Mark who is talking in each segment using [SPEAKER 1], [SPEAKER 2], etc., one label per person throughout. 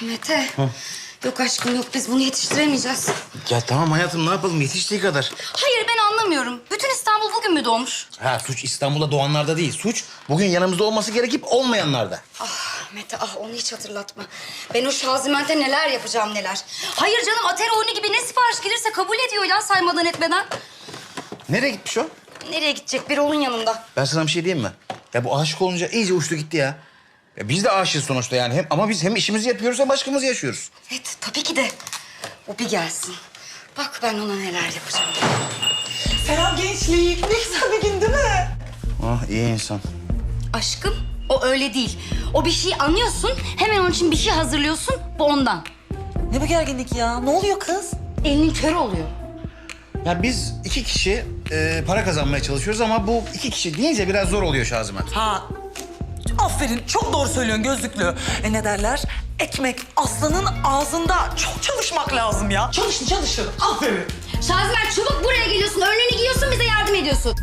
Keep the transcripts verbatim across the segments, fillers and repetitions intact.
[SPEAKER 1] Mete. Hı. Yok aşkım yok, biz bunu yetiştiremeyeceğiz.
[SPEAKER 2] Ya tamam hayatım, ne yapalım, yetiştiği kadar.
[SPEAKER 1] Hayır, ben anlamıyorum. Bütün İstanbul bugün mü doğmuş?
[SPEAKER 2] Ha, suç İstanbul'da doğanlarda değil. Suç bugün yanımızda olması gerekip olmayanlarda.
[SPEAKER 1] Ah Mete, ah onu hiç hatırlatma. Ben o Şaziment'e neler yapacağım neler. Hayır canım, Atari oyunu gibi ne sipariş gelirse kabul ediyor ya, saymadan etmeden.
[SPEAKER 2] Nereye gitmiş o?
[SPEAKER 1] Nereye gidecek? Bir oğlun yanında.
[SPEAKER 2] Ben sana bir şey diyeyim mi? Ya bu aşık olunca iyice uçtu gitti ya. Ya biz de aşığız sonuçta yani. Hem, ama biz hem işimizi yapıyoruz hem aşkımızı yaşıyoruz.
[SPEAKER 1] Evet, tabii ki de. O bir gelsin. Bak ben ona neler yapacağım.
[SPEAKER 3] Selam gençlik. Ne güzel bir gün değil mi?
[SPEAKER 2] Ah, iyi insan.
[SPEAKER 1] Aşkım, o öyle değil. O bir şey anlıyorsun, hemen onun için bir şey hazırlıyorsun, bu ondan.
[SPEAKER 3] Ne bu gerginlik ya? Ne oluyor kız?
[SPEAKER 1] Elinin körü oluyor.
[SPEAKER 2] Ya biz iki kişi e, para kazanmaya çalışıyoruz ama bu iki kişi deyince biraz zor oluyor Şaziment.
[SPEAKER 3] Ha, aferin. Çok doğru söylüyorsun gözlüklü. E ne derler? Ekmek aslanın ağzında. Çok çalışmak lazım ya. Çalışın çalışın. Aferin.
[SPEAKER 1] Şaziment çabuk buraya geliyorsun, önlüğünü giyiyorsun, bize yardım ediyorsun.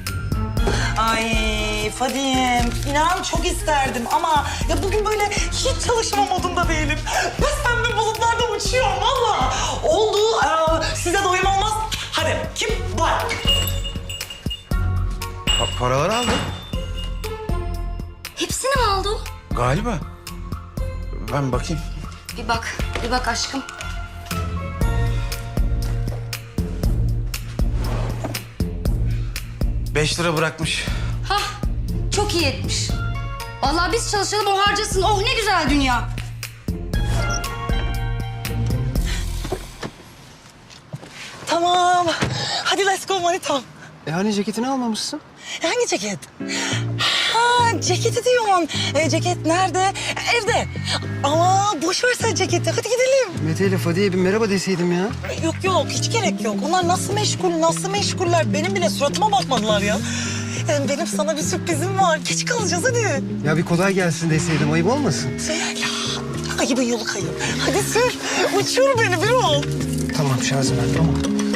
[SPEAKER 3] Ay Fadime, inan çok isterdim ama ya bugün böyle hiç çalışma modunda değilim. Ben pembe bulutlarda uçuyorum valla. Oldu. Ee, size doyum olmaz. Hadi kim var?
[SPEAKER 2] Pa- paraları aldı.
[SPEAKER 1] Hepsini mi aldı o?
[SPEAKER 2] Galiba. Ben bakayım.
[SPEAKER 1] Bir bak, bir bak aşkım.
[SPEAKER 2] Beş lira bırakmış.
[SPEAKER 1] Hah, çok iyi etmiş. Vallahi biz çalışalım, o harcasın. Oh ne güzel dünya.
[SPEAKER 3] Tamam. Hadi let's go manitam.
[SPEAKER 4] E hani ceketini almamışsın?
[SPEAKER 3] Hangi ceket? Ha, ceketi diyorsun. E, ceket nerede? Evde. Ama boş ver sen ceketi. Hadi gidelim.
[SPEAKER 4] Mete ile Fadiye bir merhaba deseydim ya.
[SPEAKER 3] E, Yok yok, hiç gerek yok. Onlar nasıl meşgul, nasıl meşguller? Benim bile suratıma bakmadılar ya. Yani benim sana bir sürprizim var. Geç kalacağız hadi.
[SPEAKER 4] Ya bir kolay gelsin deseydim, ayıp olmasın?
[SPEAKER 3] Ya, ayıbın yolu kayıp. Hadi sür. Uçur beni bir ol.
[SPEAKER 4] Tamam Şaziment, tamam.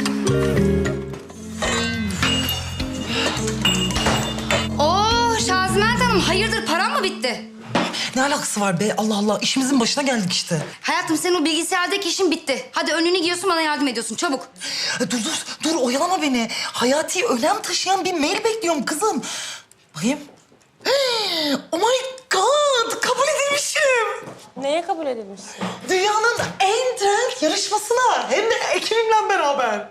[SPEAKER 1] Oo Şaziment Hanım, hayırdır param mı bitti?
[SPEAKER 3] Ne alakası var be? Allah Allah, işimizin başına geldik işte.
[SPEAKER 1] Hayatım senin o bilgisayardaki işin bitti. Hadi önlüğünü giyiyorsun, bana yardım ediyorsun çabuk.
[SPEAKER 3] E, Dur dur, dur oyalama beni. Hayati önem taşıyan bir mail bekliyorum kızım. Bakayım. Oh my God, kabul edilmişim.
[SPEAKER 5] Neye kabul edilmişsin?
[SPEAKER 3] Dünyanın en trend yarışmasına. Hem de ekibimle beraber.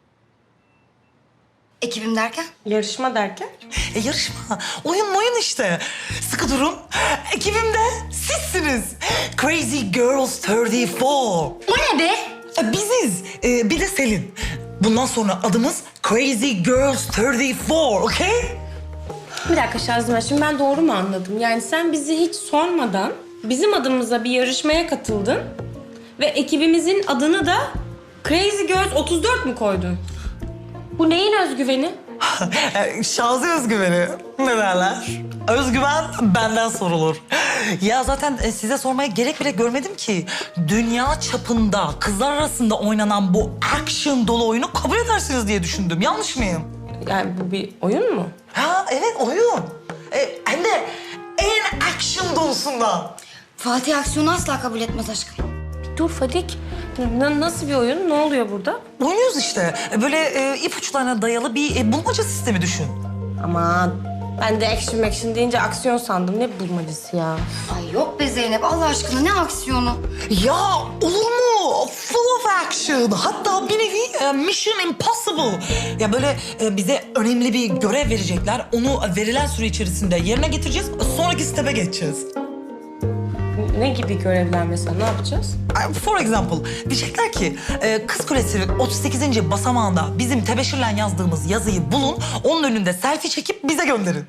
[SPEAKER 1] Ekibim derken?
[SPEAKER 5] Yarışma derken?
[SPEAKER 3] E yarışma, oyun oyun işte. Sıkı durun. Ekibimde sizsiniz. Crazy Girls otuz dört.
[SPEAKER 1] O ne be?
[SPEAKER 3] E, biziz. E, bir de Selin. Bundan sonra adımız Crazy Girls otuz dört, okey?
[SPEAKER 5] Bir dakika Şazime, şimdi ben doğru mu anladım? Yani sen bizi hiç sormadan bizim adımıza bir yarışmaya katıldın ve ekibimizin adını da Crazy Girls otuz dört mü koydun? Bu neyin özgüveni?
[SPEAKER 3] E, Şazi özgüveni. Ne derler? Özgüven benden sorulur. Ya zaten e, size sormaya gerek bile görmedim ki. Dünya çapında kızlar arasında oynanan bu action dolu oyunu kabul edersiniz diye düşündüm. Yanlış mıyım?
[SPEAKER 5] Yani bu bir oyun mu?
[SPEAKER 3] Ha evet, oyun. E, hem de en action dolusundan.
[SPEAKER 1] Fatih aksiyonu asla kabul etmez aşkım.
[SPEAKER 5] Dur Fadik, n- nasıl bir oyun? Ne oluyor burada?
[SPEAKER 3] Oynuyoruz işte. E, Böyle e, ipuçlarına dayalı bir e, bulmaca sistemi düşün.
[SPEAKER 5] Aman, ben de action action deyince aksiyon sandım. Ne bulmacası ya?
[SPEAKER 1] Ay yok be Zeynep, Allah aşkına ne aksiyonu?
[SPEAKER 3] Ya olur mu? Full of action. Hatta bir nevi e, Mission Impossible. Ya böyle e, bize önemli bir görev verecekler. Onu verilen süre içerisinde yerine getireceğiz. Sonraki step'e geçeceğiz.
[SPEAKER 5] Ne gibi görevler mesela? Ne yapacağız?
[SPEAKER 3] Uh, For example, diyecekler ki e, Kız Kulesi'nin otuz sekizinci basamağında bizim tebeşirle yazdığımız yazıyı bulun. Onun önünde selfie çekip bize gönderin.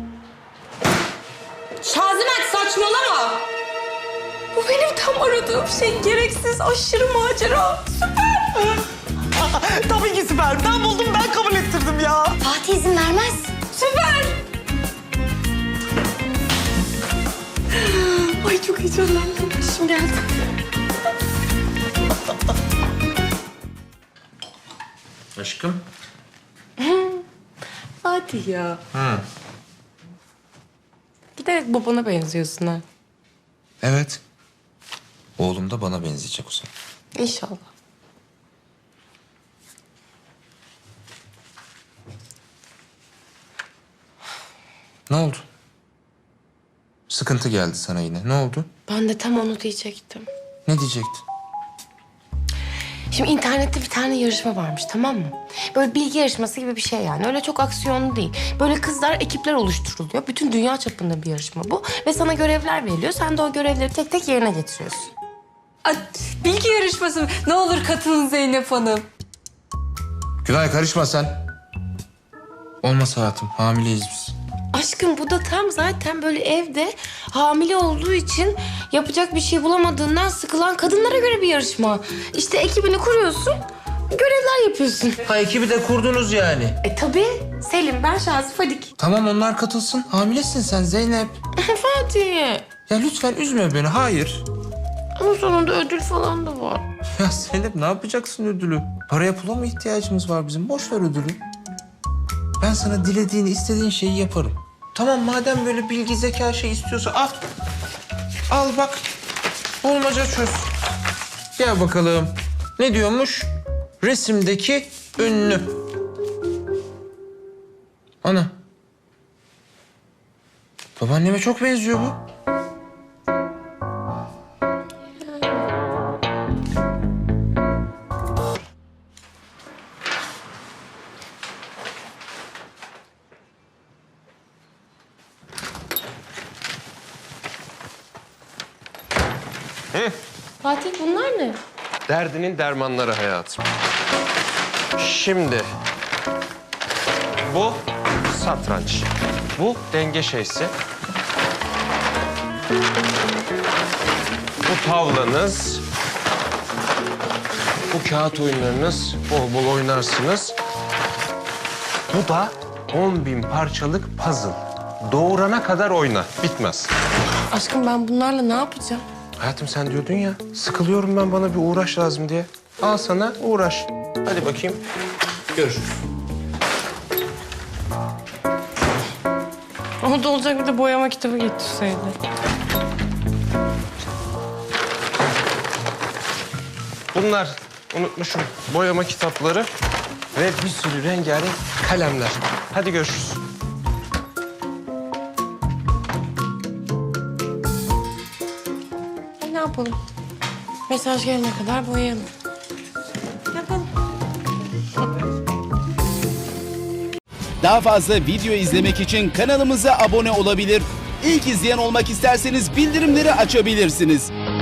[SPEAKER 5] Şazimet saçmalama! Bu benim tam aradığım şey. Gereksiz, aşırı macera. Süper!
[SPEAKER 3] Tabii ki süper. Ben buldum, ben kabul ettirdim ya.
[SPEAKER 1] Fatih izin vermez.
[SPEAKER 5] Süper! Ay çok heyecanlandım. Şimdi geldi.
[SPEAKER 2] Aşkım.
[SPEAKER 5] Hadi ya. Ha. Giderek babana benziyorsun ha.
[SPEAKER 2] Evet.
[SPEAKER 6] Oğlum da bana benzeyecek o zaman.
[SPEAKER 5] İnşallah.
[SPEAKER 6] Ne oldu? Sıkıntı geldi sana yine. Ne oldu?
[SPEAKER 5] Ben de tam onu diyecektim.
[SPEAKER 6] Ne diyecektin?
[SPEAKER 5] Şimdi internette bir tane yarışma varmış, tamam mı? Böyle bilgi yarışması gibi bir şey yani. Öyle çok aksiyonlu değil. Böyle kızlar, ekipler oluşturuluyor. Bütün dünya çapında bir yarışma bu. Ve sana görevler veriliyor. Sen de o görevleri tek tek yerine getiriyorsun.
[SPEAKER 7] Ay, bilgi yarışması mı? Ne olur katılın Zeynep Hanım.
[SPEAKER 6] Gülay karışma sen. Olmaz hayatım. Hamileyiz biz.
[SPEAKER 5] Aşkım bu da tam zaten böyle evde hamile olduğu için yapacak bir şey bulamadığından sıkılan kadınlara göre bir yarışma. İşte ekibini kuruyorsun, görevler yapıyorsun.
[SPEAKER 6] Ha ekibi de kurdunuz yani.
[SPEAKER 5] E tabii. Selim, ben Şazi, Fadik.
[SPEAKER 6] Tamam onlar katılsın. Hamilesin sen Zeynep.
[SPEAKER 5] Fatih.
[SPEAKER 6] Ya lütfen üzme beni. Hayır.
[SPEAKER 5] Ama sonunda ödül falan da var.
[SPEAKER 6] Ya Zeynep ne yapacaksın ödülü? Paraya pula mı ihtiyacımız var bizim? Boş ver ödülü. Ben sana dilediğini, istediğin şeyi yaparım. Tamam madem böyle bilgi, zeka şey istiyorsa al. Al bak. Bulmaca çöz. Gel bakalım. Ne diyormuş? Resimdeki ünlü. Ana. Babaanneme çok benziyor bu.
[SPEAKER 5] Fatih bunlar ne?
[SPEAKER 8] Derdinin dermanları hayatım. Şimdi bu satranç. Bu denge şeysi. Bu tavlanız. Bu kağıt oyunlarınız. Bol bol oynarsınız. Bu da on bin parçalık puzzle. Doğurana kadar oyna. Bitmez.
[SPEAKER 5] Aşkım ben bunlarla ne yapacağım?
[SPEAKER 8] Hayatım sen diyordun ya, sıkılıyorum ben, bana bir uğraş lazım diye. Al sana uğraş. Hadi bakayım. Görüşürüz.
[SPEAKER 5] O da olacak bir de boyama kitabı getirseydi.
[SPEAKER 8] Bunlar unutmuşum boyama kitapları ve bir sürü rengarenk kalemler. Hadi görüşürüz.
[SPEAKER 5] E, ne yapalım? Mesaj gelene kadar boyayalım. Yapalım.
[SPEAKER 9] Daha fazla video izlemek için kanalımıza abone olabilir. İlk izleyen olmak isterseniz bildirimleri açabilirsiniz.